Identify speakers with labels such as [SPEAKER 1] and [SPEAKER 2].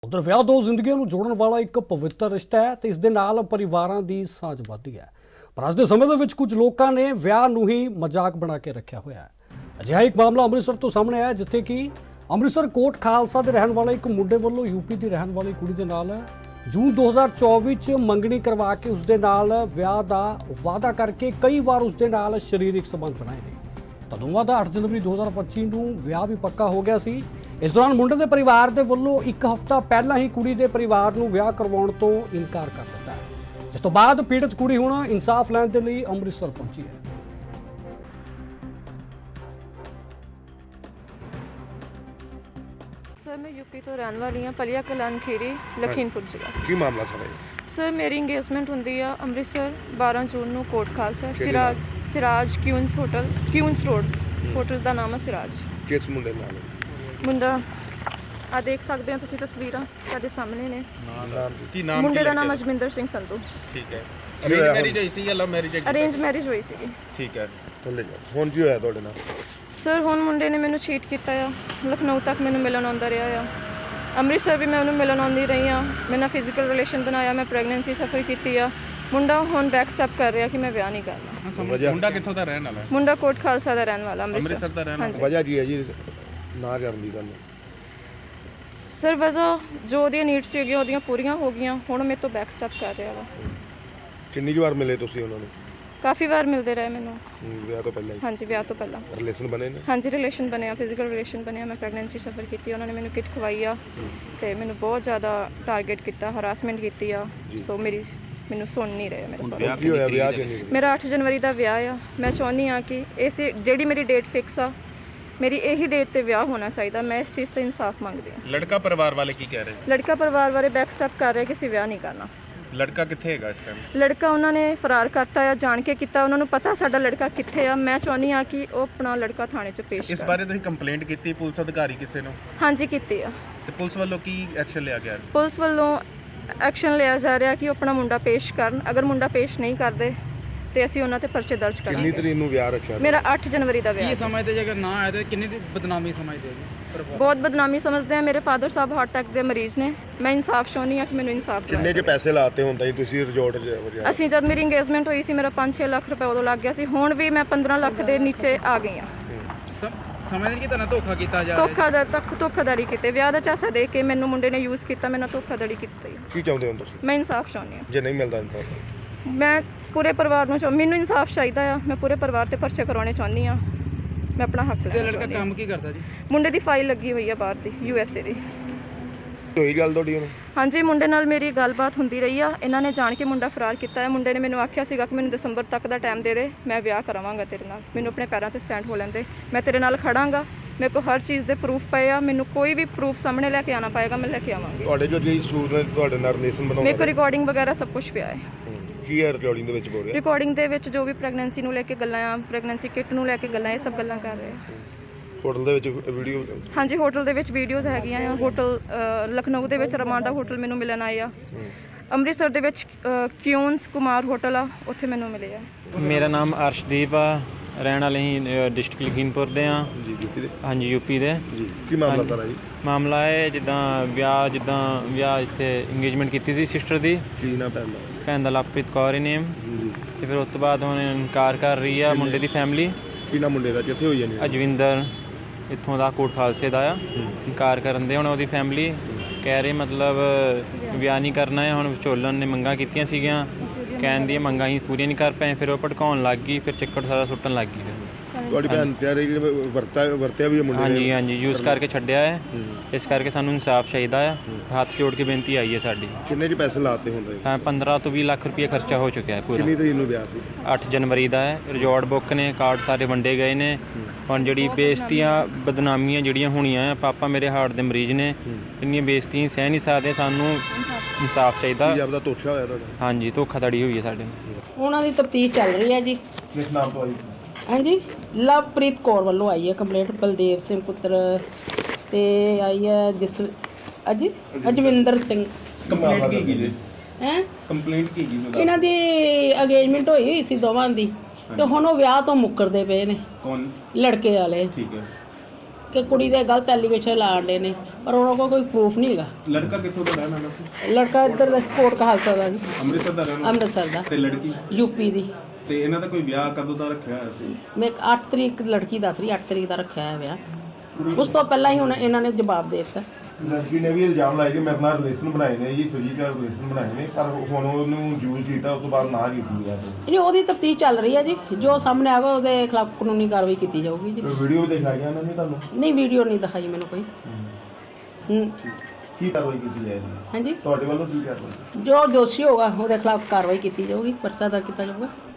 [SPEAKER 1] ਉਧਰ ਵਿਆਹ ਦੋ ਜ਼ਿੰਦਗੀਆਂ ਨੂੰ ਜੋੜਨ ਵਾਲਾ ਇੱਕ ਪਵਿੱਤਰ ਰਿਸ਼ਤਾ ਹੈ ਤੇ ਇਸ ਦੇ ਨਾਲ ਪਰਿਵਾਰਾਂ ਦੀ ਸਾਂਝ ਵੱਧਦੀ ਹੈ। ਪਰ ਅੱਜ ਦੇ ਸਮੇਂ ਦੇ ਵਿੱਚ ਕੁਝ ਲੋਕਾਂ ਨੇ ਵਿਆਹ ਨੂੰ ਹੀ ਮਜ਼ਾਕ ਬਣਾ ਕੇ ਰੱਖਿਆ ਹੋਇਆ ਹੈ। ਅਜਿਹਾ ਇੱਕ ਮਾਮਲਾ ਅੰਮ੍ਰਿਤਸਰ ਤੋਂ ਸਾਹਮਣੇ ਆਇਆ ਜਿੱਥੇ ਕਿ ਅੰਮ੍ਰਿਤਸਰ ਕੋਟ ਖਾਲਸਾ ਦੇ ਰਹਿਣ ਵਾਲੇ ਇੱਕ ਮੁੰਡੇ ਵੱਲੋਂ ਯੂਪੀ ਦੀ ਰਹਿਣ ਵਾਲੀ ਕੁੜੀ ਦੇ ਨਾਲ ਜੂਨ 2024 ਚ ਮੰਗਣੀ ਕਰਵਾ ਕੇ ਉਸ ਦੇ ਨਾਲ ਵਿਆਹ ਦਾ ਵਾਅਦਾ ਕਰਕੇ ਕਈ ਵਾਰ ਉਸ ਦੇ ਨਾਲ ਸਰੀਰਕ ਸੰਬੰਧ ਬਣਾਏ ਨੇ। ਤਾਂ ਦੋਵਾਂ ਦਾ 8 ਜਨਵਰੀ 2025 ਨੂੰ ਵਿਆਹ ਵੀ ਪੱਕਾ ਹੋ ਗਿਆ ਸੀ। ਇਸ ਦੌਰਾਨ ਮੁੰਡੇ ਦੇ ਪਰਿਵਾਰ ਦੇ ਵੱਲੋਂ ਇੱਕ ਹਫ਼ਤਾ ਪਹਿਲਾਂ ਹੀ ਕੁੜੀ ਦੇ ਪਰਿਵਾਰ ਨੂੰ ਵਿਆਹ ਕਰਵਾਉਣ ਤੋਂ ਇਨਕਾਰ ਕਰ ਦਿੱਤਾ ਹੈ, ਜਿਸ ਤੋਂ ਬਾਅਦ ਪੀੜਤ ਕੁੜੀ ਹੁਣ ਇਨਸਾਫ ਲੈਣ ਦੇ ਲਈ ਅੰਮ੍ਰਿਤਸਰ ਪਹੁੰਚੀ ਹੈ।
[SPEAKER 2] सर मैं यूपी तो रहने वाली हाँ, पलिया कलान खीरी लखीमपुर जिला।
[SPEAKER 3] की मामला सर
[SPEAKER 2] सर मेरी इंगेजमेंट होंगी आ अमृतसर 12 जून ਨੂੰ कोट खालसा
[SPEAKER 3] ਕਿਹੜੇ
[SPEAKER 2] Siraj Queens hotel Queens road hotel ਦਾ ਨਾਮ ਹੈ सिराज।
[SPEAKER 3] किस मुंडे नाल
[SPEAKER 2] ਮੁੰਡਾ ਆ ਦੇਖ ਸਕਦੇ ਹੋ ਤੁਸੀਂ ਤਸਵੀਰਾਂ ਸਾਡੇ ਸਾਹਮਣੇ ਨੇ।
[SPEAKER 3] नाम
[SPEAKER 2] ਮੁੰਡੇ ਦਾ ਨਾਮ ਅਜਮਿੰਦਰ ਸਿੰਘ ਸੰਧੂ।
[SPEAKER 4] ਠੀਕ ਹੈ। ਅਰੇਂਜ ਮੈਰਿਜ ਹੋਈ ਸੀ ਜਾਂ ਲਵ ਮੈਰਿਜ ਹੈ?
[SPEAKER 2] ਅਰੇਂਜ ਮੈਰਿਜ ਹੋਈ ਸੀ।
[SPEAKER 4] ਠੀਕ ਹੈ।
[SPEAKER 3] ਥੱਲੇ ਜਾ ਹੁਣ ਕੀ ਹੋਇਆ ਤੁਹਾਡੇ ਨਾਲ?
[SPEAKER 2] ਸਰ ਹੁਣ ਮੁੰਡੇ ਨੇ ਮੈਨੂੰ ਚੀਟ ਕੀਤਾ ਆ, ਲਖਨਊ ਤੱਕ ਮੈਨੂੰ ਮਿਲਣ ਆਉਂਦਾ ਰਿਹਾ ਆ, ਅੰਮ੍ਰਿਤਸਰ ਵੀ ਮੈਂ ਉਹਨੂੰ ਮਿਲਣ ਆਉਂਦੀ ਰਹੀ ਆ, ਮੈਂ ਨਾਲ ਫਿਜ਼ੀਕਲ ਰਿਲੇਸ਼ਨ ਬਣਾਇਆ, ਮੈਂ ਪ੍ਰੈਗਨੈਂਸੀ ਸਫਰ ਕੀਤੀ ਆ। ਮੁੰਡਾ ਹੁਣ ਬੈਕ ਸਟੈਪ ਕਰ ਰਿਹਾ ਕਿ ਮੈਂ ਵਿਆਹ ਨਹੀਂ ਕਰਨਾ।
[SPEAKER 4] ਮੁੰਡਾ ਕਿੱਥੋਂ ਦਾ ਰਹਿਣ ਵਾਲਾ ਹੈ?
[SPEAKER 2] ਮੁੰਡਾ ਕੋਟ ਖਾਲਸਾ ਦਾ ਰਹਿਣ ਵਾਲਾ,
[SPEAKER 4] ਅੰਮ੍ਰਿਤਸਰ ਦਾ ਰਹਿਣ ਵਾਲਾ।
[SPEAKER 3] ਵਜ੍ਹਾ ਕੀ ਹੈ ਜੀ ਨਾ ਕਰਨ ਦੀ ਗੱਲ?
[SPEAKER 2] ਸਰ ਵਜ੍ਹਾ ਜੋ ਉਹਦੀਆਂ ਨੀਡਸ ਸੀਗੀਆਂ ਉਹਦੀਆਂ ਪੂਰੀਆਂ ਹੋ ਗਈਆਂ, ਹੁਣ ਮੇਰੇ ਤੋਂ ਬੈਕ ਸਟੈਪ ਕਰ ਰਿਹਾ ਵਾ।
[SPEAKER 3] ਕਿੰਨੀ ਵਾਰ ਮਿਲੇ ਤੁਸੀਂ ਉਹਨਾਂ ਨੂੰ?
[SPEAKER 2] ਕਾਫੀ ਵਾਰ ਮਿਲਦੇ ਰਹੇ ਮੈਨੂੰ।
[SPEAKER 3] ਵਿਆਹ ਤੋਂ ਪਹਿਲਾਂ ਹੀ?
[SPEAKER 2] ਹਾਂਜੀ ਵਿਆਹ ਤੋਂ ਪਹਿਲਾਂ
[SPEAKER 3] ਰਿਲੇਸ਼ਨ ਬਣੇ ਨੇ?
[SPEAKER 2] ਹਾਂਜੀ ਰਿਲੇਸ਼ਨ ਬਣਿਆ, ਫਿਜ਼ੀਕਲ ਰਿਲੇਸ਼ਨ ਬਣਿਆ, ਮੈਂ ਪ੍ਰੈਗਨੈਂਸੀ ਸਫਰ ਕੀਤੀ, ਉਹਨਾਂ ਨੇ ਮੈਨੂੰ ਕਿਟ ਖਵਾਈ ਆ ਤੇ ਮੈਨੂੰ ਬਹੁਤ ਜ਼ਿਆਦਾ ਟਾਰਗੇਟ ਕੀਤਾ, ਹਰਾਸਮੈਂਟ ਕੀਤੀ ਆ। ਸੋ ਮੈਨੂੰ ਸੁਣ ਨਹੀਂ ਰਹੇ ਮੇਰੇ ਸਾਰੇ।
[SPEAKER 3] ਕੀ ਹੋਇਆ ਵਿਆਹ ਕਿੰਨੀ?
[SPEAKER 2] ਮੇਰਾ 8 ਜਨਵਰੀ ਦਾ ਵਿਆਹ ਆ। ਮੈਂ ਚਾਹੁੰਦੀ ਆ ਕਿ ਇਸ ਜਿਹੜੀ ਮੇਰੀ ਡੇਟ ਫਿਕਸ ਆ, ਮੇਰੀ ਇਹੀ ਡੇਟ ਤੇ ਵਿਆਹ ਹੋਣਾ ਚਾਹੀਦਾ। ਮੈਂ ਇਸ ਚੀਜ਼ ਤੇ ਇਨਸਾਫ ਮੰਗਦੀ ਹਾਂ।
[SPEAKER 4] ਲੜਕਾ ਪਰਿਵਾਰ ਵਾਲੇ ਕੀ ਕਹਿ ਰਹੇ?
[SPEAKER 2] ਲੜਕਾ ਪਰਿਵਾਰ ਬਾਰੇ ਬੈਕ ਸਟੈਪ ਕਰ ਰਿਹਾ ਕਿ ਅਸੀਂ ਵਿਆਹ ਨਹੀਂ ਕਰਨਾ।
[SPEAKER 4] ਲੜਕਾ ਕਿੱਥੇ ਹੈਗਾ ਇਸ ਟਾਈਮ?
[SPEAKER 2] ਲੜਕਾ ਉਹਨਾਂ ਨੇ ਫਰਾਰ ਕਰਤਾ ਆ, ਜਾਣ ਕੇ ਕੀਤਾ। ਉਹਨਾਂ ਨੂੰ ਪਤਾ ਸਾਡਾ ਲੜਕਾ ਕਿੱਥੇ ਆ। ਮੈਂ ਚਾਹੁੰਦੀ ਆ ਕਿ ਉਹ ਆਪਣਾ ਲੜਕਾ ਥਾਣੇ 'ਚ ਪੇਸ਼
[SPEAKER 4] ਇਸ ਬਾਰੇ ਤੁਸੀਂ ਕੰਪਲੇਂਟ ਕੀਤੀ ਪੁਲਿਸ ਅਧਿਕਾਰੀ ਕਿਸੇ ਨੂੰ?
[SPEAKER 2] ਹਾਂਜੀ ਕੀਤੀ ਆ।
[SPEAKER 4] ਤੇ ਪੁਲਿਸ ਵੱਲੋਂ ਕੀ ਐਕਸ਼ਨ ਲਿਆ ਗਿਆ?
[SPEAKER 2] ਪੁਲਿਸ ਵੱਲੋਂ ਐਕਸ਼ਨ ਲਿਆ ਜਾ ਰਿਹਾ ਕਿ ਉਹ ਆਪਣਾ ਮੁੰਡਾ ਪੇਸ਼ ਕਰਨ। ਅਗਰ ਮੁੰਡਾ ਪੇਸ਼ ਨਹੀਂ ਕਰਦੇ ਤੇ ਅਸੀਂ ਉਹਨਾਂ ਤੇ ਪਰਚੇ ਦਰਜ
[SPEAKER 3] ਕਿੰਨੀ
[SPEAKER 2] ਕਰਾਂਗੇ।
[SPEAKER 3] ਤਰੀਕ ਨੂੰ ਵਿਆਹ ਰੱਖਿਆ?
[SPEAKER 2] ਮੇਰਾ 8 ਜਨਵਰੀ ਦਾ ਵਿਆਹ।
[SPEAKER 5] ਕੀ ਸਮਝਦੇ ਜੇ ਅਗਰ ਨਾ ਆਏ ਤਾਂ ਕਿੰਨੀ ਦੀ ਬਦਨਾਮੀ ਸਮਝਦੇ ਹੋ ਜੀ?
[SPEAKER 2] ਬਹੁਤ ਬਦਨਾਮੀ ਸਮਝਦੇ ਆ। ਮੇਰੇ ਫਾਦਰ ਸਾਹਿਬ ਹਾਰਟ ਅਟੈਕ ਦੇ ਮਰੀਜ਼ ਨੇ। ਮੈਂ ਇਨਸਾਫ ਚਾਹੁੰਦੀ ਆ ਕਿ ਮੈਨੂੰ ਇਨਸਾਫ
[SPEAKER 3] ਕਿੰਨੇ
[SPEAKER 2] ਦਿਵਾਇਆ
[SPEAKER 3] ਕੇ ਪੈਸੇ ਲਾਤੇ ਹੁੰਦਾ ਜੀ ਤੁਸੀਂ ਰਿਜ਼ੋਰਟ 'ਚ ਵਜਾ?
[SPEAKER 2] ਅਸੀਂ ਜਦ ਮੇਰੀ ਇੰਗੇਜਮੈਂਟ ਹੋਈ ਸੀ ਮੇਰਾ 5-6 ਲੱਖ ਰੁਪਏ ਉਦੋਂ ਲੱਗ ਗਿਆ ਸੀ। ਹੁਣ ਵੀ ਮੈਂ 15 ਲੱਖ ਦੇ ਨੀਚੇ ਆ ਗਈ ਆ।
[SPEAKER 5] ਸਮਝਦੇ ਕਿ ਤੁਹਾਨੂੰ ਧੋਖਾ ਕੀਤਾ ਜਾ ਰਿਹਾ?
[SPEAKER 2] ਧੋਖਾਧੜੀ ਕੀਤੇ, ਵਿਆਹ ਦਾ ਚਾਸਾ ਦੇ ਕੇ ਮੈਨੂੰ ਮੁੰਡੇ ਨੇ ਯੂਜ਼ ਕੀਤਾ, ਮੈਨੂੰ ਧੋਖਾਧੜੀ ਕੀਤੀ।
[SPEAKER 3] ਕੀ ਚਾਹੁੰਦੇ ਹੋ ਤੁਸੀਂ?
[SPEAKER 2] ਮੈਂ ਇਨਸਾਫ ਚਾਹੁੰਦੀ ਆ।
[SPEAKER 3] ਜੇ ਨਹੀਂ ਮਿਲਦਾ ਇਨਸਾਫ?
[SPEAKER 2] ਮੈਂ ਪੂਰੇ ਪਰਿਵਾਰ ਨੂੰ ਮੈਨੂੰ ਇਨਸਾਫ ਚਾਹੀਦਾ ਆ। ਮੈਂ ਪੂਰੇ ਪਰਿਵਾਰ ਤੇ ਪਰਚੇ ਕਰਾਉਣੇ ਚਾਹੁੰਦੀ ਆ। ਮੈਂ ਆਪਣਾ ਹੱਕ
[SPEAKER 5] ਤੇ ਲੜਕਾ ਕੰਮ ਕੀ ਕਰਦਾ ਜੀ?
[SPEAKER 2] ਮੁੰਡੇ ਦੀ ਫਾਈਲ ਲੱਗੀ ਹੋਈ ਆ ਬਾਹਰ ਦੀ, USA ਦੀ।
[SPEAKER 3] ਹੋਈ ਗੱਲ ਤੁਹਾਡੀ ਉਹਨੂੰ?
[SPEAKER 2] ਹਾਂਜੀ ਮੁੰਡੇ ਨਾਲ ਮੇਰੀ ਗੱਲਬਾਤ ਹੁੰਦੀ ਰਹੀ ਆ। ਇਹਨਾਂ ਨੇ ਜਾਣ ਕੇ ਮੁੰਡਾ ਫਰਾਰ ਕੀਤਾ ਹੈ। ਮੁੰਡੇ ਨੇ ਮੈਨੂੰ ਆਖਿਆ ਸੀਗਾ ਕਿ ਮੈਨੂੰ ਦਸੰਬਰ ਤੱਕ ਦਾ ਟਾਈਮ ਦੇ ਦੇ, ਮੈਂ ਵਿਆਹ ਕਰਾਵਾਂਗਾ ਤੇਰੇ ਨਾਲ, ਮੈਨੂੰ ਆਪਣੇ ਪੈਰਾਂ ਤੇ ਸਟੈਂਡ ਹੋ ਲੈਂਦੇ, ਮੈਂ ਤੇਰੇ ਨਾਲ ਖੜਾਂਗਾ, ਮੇਰੇ ਕੋਲ ਹਰ ਚੀਜ਼ ਦੇ ਪ੍ਰੂਫ ਪਏ ਆ, ਮੈਨੂੰ ਕੋਈ ਵੀ ਪ੍ਰੂਫ ਸਾਹਮਣੇ ਲੈ ਕੇ ਆਉਣਾ ਪਏਗਾ, ਮੈਂ ਲੈ ਕੇ ਆਵਾਂਗੀ।
[SPEAKER 3] ਤੁਹਾਡੇ ਜੋ ਜੀ ਸੂਰ ਨੇ ਤੁਹਾਡੇ ਨਾਲ ਰਿਲੇਸ਼ਨ ਬਣਾਉਣਾ?
[SPEAKER 2] ਮੇਰੇ ਕੋਲ ਰਿਕਾਰਡਿੰਗ ਵਗੈਰਾ ਸਭ ਕੁਝ ਪਿਆ ਹੈ।
[SPEAKER 3] ਕੀ ਹੈ ਰਿਕਾਰਡਿੰਗ ਦੇ ਵਿੱਚ ਬੋਲ ਰਿਹਾ?
[SPEAKER 2] ਰਿਕਾਰਡਿੰਗ ਦੇ ਵਿੱਚ ਜੋ ਵੀ ਪ੍ਰੈਗਨੈਂਸੀ ਨੂੰ ਲੈ ਕੇ ਗੱਲਾਂ ਆ, ਪ੍ਰੈਗਨੈਂਸੀ ਕਿਟ ਨੂੰ ਲੈ ਕੇ ਗੱਲਾਂ, ਇਹ ਸਭ ਗੱਲਾਂ ਕਰ ਰਹੇ ਆ।
[SPEAKER 3] ਹੋਟਲ ਦੇ ਵਿੱਚ ਵੀਡੀਓ?
[SPEAKER 2] ਹਾਂਜੀ ਹੋਟਲ ਦੇ ਵਿੱਚ ਵੀਡੀਓਜ਼ ਹੈਗੀਆਂ ਆ। ਹੋਟਲ ਲਖਨਊ ਦੇ ਵਿੱਚ ਰਮਾਂਡਾ ਹੋਟਲ ਮੈਨੂੰ ਮਿਲਣ ਆਏ ਆ। ਅੰਮ੍ਰਿਤਸਰ ਦੇ ਵਿੱਚ ਕਿਊਨਸ ਕੁਮਾਰ ਹੋਟਲ ਆ, ਉੱਥੇ ਮੈਨੂੰ ਮਿਲੇ ਆ।
[SPEAKER 6] ਮੇਰਾ ਨਾਮ ਅਰਸ਼ਦੀਪ ਆ, ਰਹਿਣ ਵਾਲੇ ਹੀ ਡਿਸਟ੍ਰਿਕਟ ਲਖੀਮਪੁਰ ਦੇ ਆ
[SPEAKER 3] ਜੀ। ਯੂਪੀ ਦੇ?
[SPEAKER 6] ਹਾਂਜੀ ਯੂਪੀ ਦੇ
[SPEAKER 3] ਜੀ। ਕੀ ਮਾਮਲਾ ਸਾਰਾ ਜੀ?
[SPEAKER 6] ਮਾਮਲਾ ਹੈ ਜਿੱਦਾਂ ਵਿਆਹ ਇੱਥੇ ਇੰਗੇਜਮੈਂਟ ਕੀਤੀ ਸੀ ਸਿਸਟਰ ਦੀ।
[SPEAKER 3] ਕੀ ਨਾ
[SPEAKER 6] ਭੈਣ ਦਾ ਲਵਪ੍ਰੀਤ ਕੌਰ ਹੀ ਨੇਮ।
[SPEAKER 3] ਜੀ।
[SPEAKER 6] ਤੇ ਫਿਰ ਉਸ ਤੋਂ ਬਾਅਦ ਹੁਣ ਇਨਕਾਰ ਕਰ ਰਹੀ ਆ ਮੁੰਡੇ ਦੀ ਫੈਮਿਲੀ।
[SPEAKER 3] ਕੀ ਨਾ ਮੁੰਡੇ ਦਾ ਕਿੱਥੇ ਹੋਈ ਜਾਨੀ?
[SPEAKER 6] ਅਜਵਿੰਦਰ ਇੱਥੋਂ ਦਾ ਕੋਟ ਖਾਲਸੇ ਦਾ ਆ। ਇਨਕਾਰ ਕਰਨ ਦੇ ਹੁਣ ਉਹਦੀ ਫੈਮਿਲੀ ਕਹਿ ਰਹੀ ਮਤਲਬ ਵਿਆਹ ਨਹੀਂ ਕਰਨਾ ਹੈ। ਹੁਣ ਵਿਚੋਲਨ ਨੇ ਮੰਗਾਂ ਕੀਤੀਆਂ ਸੀਗੀਆਂ, ਕਹਿਣ ਦੀਆਂ ਮੰਗਾਂ ਹੀ ਪੂਰੀਆਂ ਨਹੀਂ ਕਰ ਪਏ, ਫਿਰ ਉਹ ਭੜਕਾਉਣ ਲੱਗ ਗਈ, ਫਿਰ ਚੱਕਰ ਸਾਰਾ ਸੁੱਟਣ ਲੱਗ ਗਈ।
[SPEAKER 3] ਤੁਹਾਡੀ ਭੈਣ ਤੇ ਵਰਤਿਆ ਵੀ ਮੁੰਡੇ ਨੇ?
[SPEAKER 6] ਹਾਂਜੀ ਯੂਜ਼ ਕਰਕੇ ਛੱਡਿਆ ਹੈ। ਇਸ ਕਰਕੇ ਸਾਨੂੰ ਇਨਸਾਫ ਚਾਹੀਦਾ ਆ। ਹੱਥ ਜੋੜ ਕੇ ਬੇਨਤੀ ਆਈ ਹੈ ਸਾਡੀ।
[SPEAKER 3] ਕਿੰਨੇ ਜੀ ਪੈਸੇ ਲਾਤੇ ਹੁੰਦੇ?
[SPEAKER 6] ਤਾਂ 15 ਤੋਂ 20 ਲੱਖ ਰੁਪਏ ਖਰਚਾ ਹੋ ਚੁੱਕਿਆ ਹੈ ਪੂਰਾ।
[SPEAKER 3] ਕਿੰਨੀ ਤਰੀਕ ਨੂੰ ਵਿਆਹ ਸੀ?
[SPEAKER 6] 8 ਜਨਵਰੀ ਦਾ ਹੈ। ਰਿਜ਼ੋਰਟ ਬੁੱਕ ਨੇ, ਕਾਰਡ ਸਾਰੇ ਵੰਡੇ ਗਏ ਨੇ। ਹੁਣ ਜਿਹੜੀ ਬੇਇੱਜ਼ਤੀਆਂ ਬਦਨਾਮੀਆਂ ਜਿਹੜੀਆਂ ਹੋਣੀਆਂ ਆ, ਪਾਪਾ ਮੇਰੇ ਹਾਰਟ ਦੇ ਮਰੀਜ਼ ਨੇ, ਇੰਨੀਆਂ ਬੇਇੱਜ਼ਤੀਆਂ ਸਹਿ ਨਹੀਂ ਸਕਦੇ। ਸਾਨੂੰ ਇਨਸਾਫ ਚਾਹੀਦਾ।
[SPEAKER 3] ਕੀ ਆਪਦਾ ਧੋਖਾ ਹੋਇਆ ਤੁਹਾਡਾ?
[SPEAKER 6] ਹਾਂਜੀ ਧੋਖਾਧੜੀ ਹੋਈ ਹੈ ਸਾਡੇ ਨਾਲ।
[SPEAKER 7] ਉਹਨਾਂ ਦੀ ਤਫਤੀਸ਼ ਚੱਲ ਰਹੀ ਹੈ ਜੀ।
[SPEAKER 3] ਕਿਸ ਨਾਮ ਤੋਂ ਆਈ?
[SPEAKER 7] ਹਾਂਜੀ ਲਵਪ੍ਰੀਤ ਕੌਰ ਵੱਲੋਂ ਆਈ ਹੈ ਕੰਪਲੇਂਟ, ਬਲਦੇਵ ਸਿੰਘ ਪੁੱਤਰ ਤੇ ਆਈ ਹੈ ਅਜਵਿੰਦਰ ਸਿੰਘ।
[SPEAKER 4] ਕੰਪਲੇਂਟ ਕੀ ਕੀ ਜੀ?
[SPEAKER 7] ਹੈ
[SPEAKER 4] ਕੰਪਲੇਂਟ ਕੀ ਕੀ?
[SPEAKER 7] ਇਹਨਾਂ ਦੀ ਅਗੇਜਮੈਂਟ ਹੋਈ ਸੀ ਦੋਵਾਂ ਦੀ, ਤੇ ਹੁਣ ਉਹ ਵਿਆਹ ਤੋਂ ਮੁੱਕਰਦੇ ਪਏ ਨੇ
[SPEAKER 4] ਕੌਣ?
[SPEAKER 7] ਲੜਕੇ ਵਾਲੇ।
[SPEAKER 4] ਠੀਕ ਹੈ।
[SPEAKER 7] ਕਿ ਕੁੜੀ ਦੇ ਗਲਤ ਐਲੀਗੇਸ਼ਨ ਲਾਉਂਦੇ ਨੇ, ਪਰ ਉਹਨਾਂ ਕੋਲ ਕੋਈ ਪ੍ਰੂਫ ਨਹੀਂ ਹੈਗਾ।
[SPEAKER 4] ਲੜਕਾ ਕਿੱਥੋਂ ਦਾ ਰਹਿਣ ਵਾਲਾ ਸੀ?
[SPEAKER 7] ਲੜਕਾ ਇੱਧਰ ਦਾ ਕੋਟ ਕਹਾਲਸਾ ਦਾ ਜੀ,
[SPEAKER 4] ਅੰਮ੍ਰਿਤਸਰ ਦਾ ਰਹਿਣ ਵਾਲਾ
[SPEAKER 7] ਅੰਮ੍ਰਿਤਸਰ ਦਾ,
[SPEAKER 4] ਤੇ ਲੜਕੀ?
[SPEAKER 7] ਯੂਪੀ ਦੀ।
[SPEAKER 4] ਤੇ ਇਹਨਾਂ ਦਾ ਕੋਈ ਵਿਆਹ ਕਦੋਂ ਦਾ ਰੱਖਿਆ ਹੋਇਆ ਸੀ?
[SPEAKER 7] ਮੈਂ 8 ਤਰੀਕ ਲੜਕੀ ਦੱਸ ਰਹੀ, 8 ਤਰੀਕ ਦਾ ਰੱਖਿਆ ਹੈ ਵਿਆਹ। ਉਸ ਤੋਂ ਪਹਿਲਾਂ ਹੀ ਹੁਣ ਇਹਨਾਂ ਨੇ ਜਵਾਬ ਦੇ ਦਿੱਤਾ।
[SPEAKER 3] ਲੜਕੀ ਨੇ ਵੀ ਇਲਜ਼ਾਮ ਲਾਇਆ ਕਿ ਮੇਰੇ ਨਾਲ ਰਿਲੇਸ਼ਨ ਬਣਾਏ ਨੇ ਜੀ, ਫਿਜ਼ੀਕਲ ਰਿਲੇਸ਼ਨ ਬਣਾਏ ਨੇ, ਪਰ ਹੁਣ ਉਹਨੂੰ ਯੂਜ਼ ਕੀਤਾ, ਉਸ ਤੋਂ ਬਾਅਦ ਨਾ ਕੀਤੀ ਗਿਆ।
[SPEAKER 7] ਨਹੀਂ, ਉਹਦੀ ਤਫਤੀਸ਼ ਚੱਲ ਰਹੀ ਹੈ ਜੀ, ਜੋ ਸਾਹਮਣੇ ਆਗਾ ਉਹਦੇ ਖਿਲਾਫ ਕਾਨੂੰਨੀ ਕਾਰਵਾਈ ਕੀਤੀ ਜਾਊਗੀ ਜੀ।
[SPEAKER 3] ਵੀਡੀਓ ਦਿਖਾਈਆਂ ਉਹਨਾਂ ਨੇ ਤੁਹਾਨੂੰ?
[SPEAKER 7] ਨਹੀਂ, ਵੀਡੀਓ ਨਹੀਂ ਦਿਖਾਈ ਮੈਨੂੰ ਕੋਈ।
[SPEAKER 3] ਕੀ ਕਾਰਵਾਈ ਕੀਤੀ ਜਾਏਗੀ
[SPEAKER 7] ਹਾਂਜੀ,
[SPEAKER 3] ਤੁਹਾਡੇ ਵੱਲੋਂ? ਕੀ ਕਾਰਵਾਈ?
[SPEAKER 7] ਜੋ ਦੋਸ਼ੀ ਹੋਗਾ ਉਹਦੇ ਖਿਲਾਫ ਕਾਰਵਾਈ ਕੀਤੀ ਜਾਊਗੀ, ਪਰਚਾ ਦਰਜ ਕੀਤਾ ਜਾਊਗਾ।